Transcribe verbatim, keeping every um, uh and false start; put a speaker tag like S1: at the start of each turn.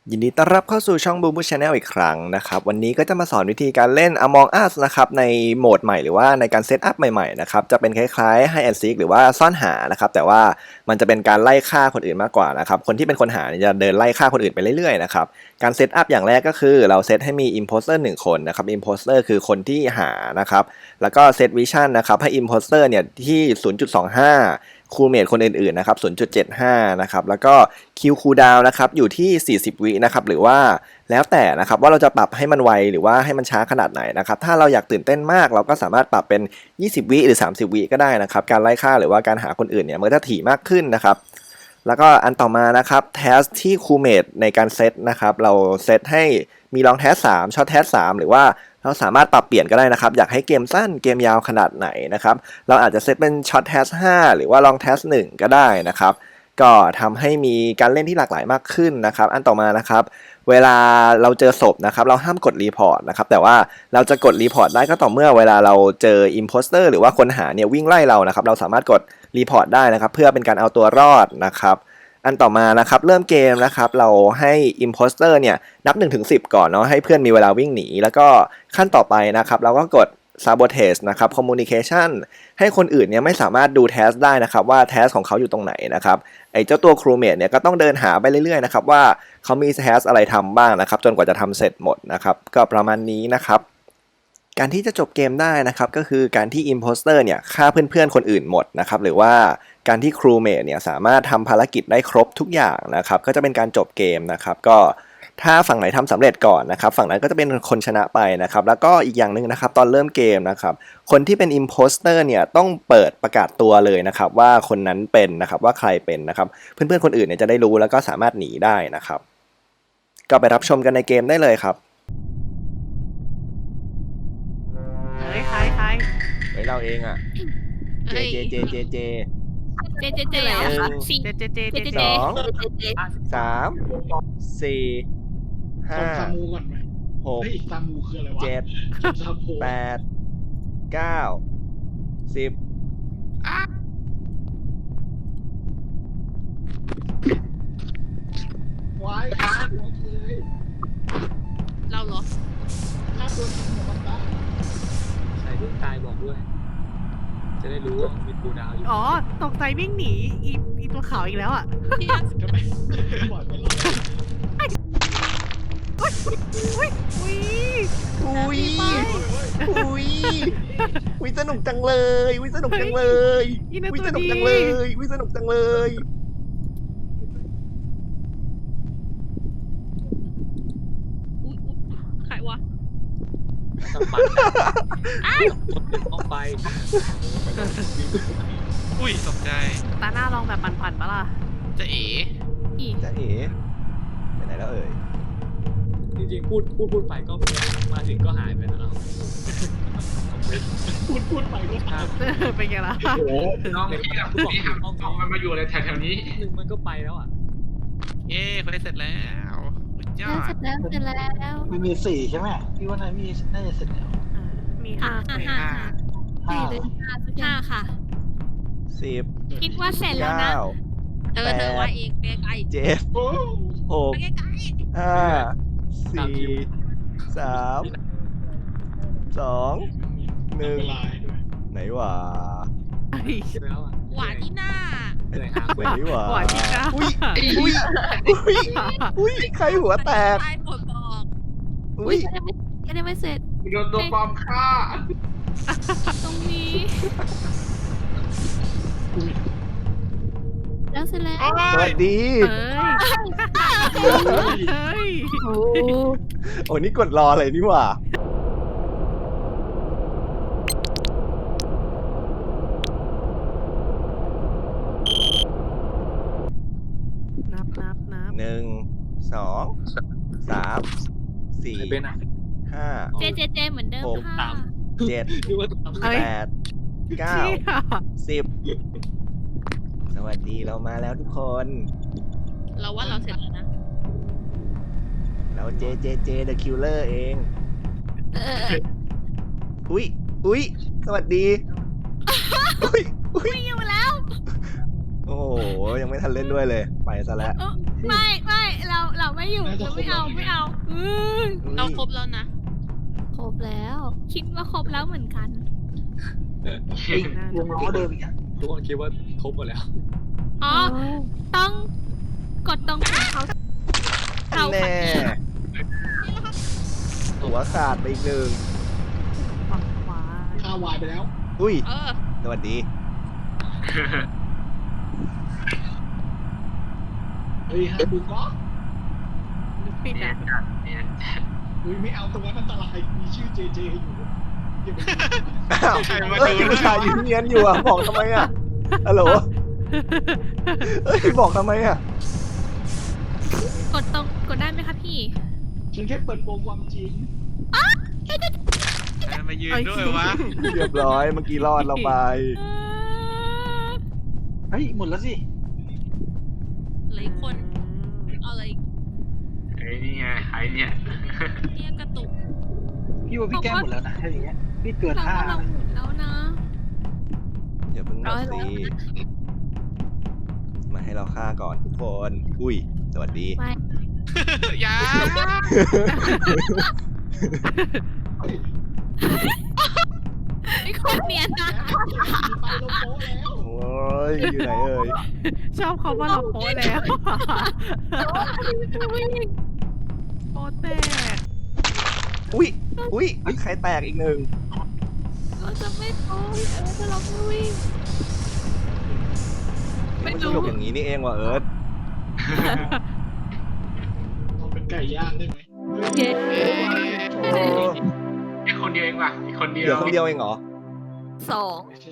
S1: ยินดีต้อนรับเข้าสู่ช่อง Boo Boo Channel อีกครั้งนะครับวันนี้ก็จะมาสอนวิธีการเล่น Among Us นะครับในโหมดใหม่หรือว่าในการเซตอัพใหม่ๆนะครับจะเป็นคล้ายๆ Hide and Seek หรือว่าซ่อนหานะครับแต่ว่ามันจะเป็นการไล่ฆ่าคนอื่นมากกว่านะครับคนที่เป็นคนหาจะเดินไล่ฆ่าคนอื่นไปเรื่อยๆนะครับการเซตอัพอย่างแรกก็คือเราเซตให้มี Imposter หนึ่งคนนะครับ Imposter คือคนที่หานะครับแล้วก็เซต Vision นะครับให้ Imposter เนี่ยที่ ศูนย์จุดสองห้าคูลเมทคนอื่นๆนะครับ ศูนย์จุดเจ็ดห้า นะครับแล้วก็คิวคูลดาวน์นะครับอยู่ที่ สี่สิบ วินะครับหรือว่าแล้วแต่นะครับว่าเราจะปรับให้มันไวหรือว่าให้มันช้าขนาดไหนนะครับถ้าเราอยากตื่นเต้นมากเราก็สามารถปรับเป็น ยี่สิบ วิหรือ สามสิบ วิก็ได้นะครับการไล่ฆ่าหรือว่าการหาคนอื่นเนี่ยมันก็จะถี่มากขึ้นนะครับแล้วก็อันต่อมานะครับแทสที่คูลเมทในการเซตนะครับเราเซตให้มีลองแทสสามช็อตแทสสามหรือว่าเราสามารถปรับเปลี่ยนก็ได้นะครับอยากให้เกมสั้นเกมยาวขนาดไหนนะครับเราอาจจะเซตเป็นช็อตแทสห้าหรือว่าลองแทสหนึ่งก็ได้นะครับก็ทำให้มีการเล่นที่หลากหลายมากขึ้นนะครับอันต่อมานะครับเวลาเราเจอศพนะครับเราห้ามกดรีพอร์ตนะครับแต่ว่าเราจะกดรีพอร์ตได้ก็ต่อเมื่อเวลาเราเจออิมโพสเตอร์หรือว่าคนหาเนี่ยวิ่งไล่เรานะครับเราสามารถกดรีพอร์ตได้นะครับเพื่อเป็นการเอาตัวรอดนะครับอันต่อมานะครับเริ่มเกมนะครับเราให้ Imposter เนี่ยนับ หนึ่งถึงสิบ ก่อนเนาะให้เพื่อนมีเวลาวิ่งหนีแล้วก็ขั้นต่อไปนะครับเราก็กด Sabotage นะครับ Communication ให้คนอื่นเนี่ยไม่สามารถดูแทสได้นะครับว่าแทสของเขาอยู่ตรงไหนนะครับไอ้เจ้าตัว Crewmate เนี่ยก็ต้องเดินหาไปเรื่อยๆนะครับว่าเขามีแทสอะไรทำบ้างนะครับจนกว่าจะทำเสร็จหมดนะครับก็ประมาณนี้นะครับการที่จะจบเกมได้นะครับก็คือการที่ Imposter เนี่ยฆ่าเพื่อนๆคนอื่นหมดนะครับหรือว่าการที่ Crewmate เนี่ยสามารถทำภารกิจได้ครบทุกอย่างนะครับก็จะเป็นการจบเกมนะครับก็ถ้าฝั่งไหนทำสำเร็จก่อนนะครับฝั่งนั้นก็จะเป็นคนชนะไปนะครับแล้วก็อีกอย่างหนึ่งนะครับตอนเริ่มเกมนะครับคนที่เป็น Imposter เนี่ยต้องเปิดประกาศตัวเลยนะครับว่าคนนั้นเป็นนะครับว่าใครเป็นนะครับเพื่อนๆคนอื่นเนี่ยจะได้รู้แล้วก็สามารถหนีได้นะครับก็ไปรับชมกันในเกมได้เลยครับ
S2: เฮ้ยใครใคร
S1: เฮ้ยเราเองอ่ะเจเจเจเจเจ
S3: เจเจเจเหรอสี่
S2: เจเจเจเจ
S3: เจ
S2: เจ
S1: สองสามสี่ห้า
S4: จำซามูก่อนไหม
S1: หก
S4: เฮ้ยซามูคืออะไรวะ
S1: เจ็ด
S4: จำซามู
S1: แปดเก้าสิบ
S4: วายฆ่าหัวเลย
S3: เราเหรอ
S4: ฆ่าตัวจริงของมันได้
S5: ใส่เรื่องตายบอกด้วย จะได้รู้ว่ามีกูดาวอยู่
S2: อ๋อตกใจวิ่งหนีอีอีตัวขาวอีกแล้วอ่ะ
S3: ที่
S4: ก็ไม่ปล่อยไปแล้ว
S2: อุ้ยอุ้ย
S1: อุ้ยอุ้ยอุ้ยสนุกจังเลย อุ้ยสนุกจังเลย
S2: อีนั่น
S1: อุ้ย
S2: ตัว
S1: สนุก
S2: ดี
S1: จังเลยอุ้ยสนุกจังเลย
S3: อุ๊ยอุ๊ยใครวะ
S5: ต้องปั่นอ้าวต้องไป
S6: อุ้ยตกใจ
S2: ตาหน้าลองแบบปั่นๆปะล่ะ
S6: จะเอ๋
S3: อี
S1: จะเอ๋ไปไหนแล้วเอ่ย
S5: จริงๆพูดพูดพูดไปก็มาถึงก็หายไปแล้วเรา
S4: พูดพูดไปก็ตาม
S2: เป็นไงล่ะ
S4: โอ้โห
S5: น้องที่ทำที่ทำต้อง
S4: มันมาอยู่อะไรแถวๆนี้
S5: หนึ่งมันก็ไปแล้วอ่ะ
S6: เย้เควสเสร็จแล้วสุดยอ
S3: เส
S6: ด
S3: ร็จแล้วเสร็จแล้ว
S7: มันมีสี่ใช่ไหมพี่ว่านายมีน่าจะเสร็จแล้ว
S2: มีห้า
S3: ห้า
S2: เฟส
S3: ห้า
S7: ห้า
S3: สี่เลยห้าทุกอย่างห้าค่ะ
S1: สิบ
S3: คิดว่าเสร็จแล้วนะ
S1: เก้า
S3: เออเธอว่าเองไปไกล
S1: เจ็ด
S4: โอ้
S1: หก
S3: ไปไกล
S1: ห้าสี่สามสองหนึ่ง
S4: เวลา
S1: ไหนวะ
S5: ใช่แล้วอ่ะ
S3: หวานที่หน้า
S5: เหนื่อยหา
S1: ไหนวะ
S2: หวานที่หน้า
S1: อุ้ยอุ้ยอุ้ยอุ้ยใครหัวแตก
S3: ตายหมดบอก
S1: อุ้ย
S3: ยังไม่ยังไม่เสร็จ
S4: โดนตัวปลอมฆ่า
S3: ตรงนี้ แล้วเสร็จแล้ว
S1: สวัสดี
S2: เอ้ยเฮ้ย
S3: โอ้
S1: โอ้นี่กดรอเลยนี่หว่า
S2: นับนับนับ
S1: หนึ่งสองสามสี่
S5: ใครเป็นอ่ะ
S1: ห้า
S3: เจเจเจเหมือนเดิม
S1: หก
S3: ค่ะ
S1: เจ็ด
S5: นึกว่าทำ
S1: แปดเก้า
S2: เชี่ย
S1: สิบสวัสดีเรามาแล้วทุกคน
S3: เราว่าเราเสร็จแล้วนะ
S1: เราเจเจเจ The Killer เอง
S3: เออ
S1: อุ้ยอุ้ยสวัสดี อุ้ยอุ้ย
S3: อยู่แล้ว
S1: โอ้โหยังไม่ทันเล่นด้วยเลย ไปซะแล้ว
S3: ไม่ไม่เราเราไม่อยู่เราไม่เอาไม่เอาอือ เราครบแล้วนะ
S8: ครบแล้ว
S3: คิดว่าครบแล้วเหมือนกัน
S7: ไอ้วงล้อเดิมอีกอ่ะ
S5: ทุกคนคิดว่าครบหมดแล้ว
S3: อ๋อ ต้องกดตรงของเขาเขา
S1: แน่หัวขาดไปอีกหนึ่ง
S2: ฝั่งขวา
S7: ข้าวายไปแล้ว
S1: อุ้ย
S3: เออ
S1: สวัสดี
S7: เฮ้ยฮาบูก็
S2: ปิด
S4: เนี่ย
S2: อ่ะ
S4: เนี่ย
S7: เฮ้ยไม่เอาตรงนั้นอันตรายมีชื่อเจเจอยู่อย่าไป
S1: อ้าว
S6: ใครมา
S1: เอ้ย
S6: ดู
S1: ผู้ชายยืนเงียนอยู่อ่ะ บอกทำไมอ่ะฮัลโหลเอ้ย บอกทำไมอ่ะ
S3: กดตรงกดได้ไหมคะพี่
S7: ฉันแค่เปิดโปงความจริง
S6: ใครมายืนด้วยวะ
S1: เรียบร้อยเมื่อกี้รอดเราไป
S7: เฮ้ยหมดแล้วสิ
S3: เหลยคนเอาอะไรอีก
S4: ไอ้นี่ไงไอ้เนี่ย
S3: เนี่ยกระตุก
S7: พี่ว่าพี่แก้หมดแล้วนะถ้าอย่างเงี้ยพี่เกิน
S3: เรา
S7: ห้า
S3: ว่าเราหมุนแล้วนะ
S1: อย่าเพิ่งหม
S3: ร้
S1: ด
S3: อยแล้
S1: สิ
S3: ว
S1: มาให้เราฆ่าก่อนทุกคน อุ้ย สวัสดี
S3: ไป
S6: อยา
S3: ไอ้คนเนียนนะ
S7: ไปลงโป๊ะแล้ว
S1: โอ้ย อยู่ไหนเอ่ย
S2: ชอบเขาว่าเราโป๊ะแล้วโป๊ะแตก
S1: อุ้ย อุ้ย ใครแตกอีกหนึ่ง
S3: เราจะไม่โป๊ะเออถ้าเราไม่วิ่ง ไม่
S1: มัน
S3: รู้
S1: สนุกอย่างนี้นี่เองว่ะเอิร์ธ
S7: เอาเป็นไก่ย่างได้ไหม
S3: เย้
S1: โอ้
S4: อีกคนเดียวเองว่ะอีกคนเดีย
S1: เหลือ
S4: ว
S1: คนเดียวเองเหรอ
S3: สอง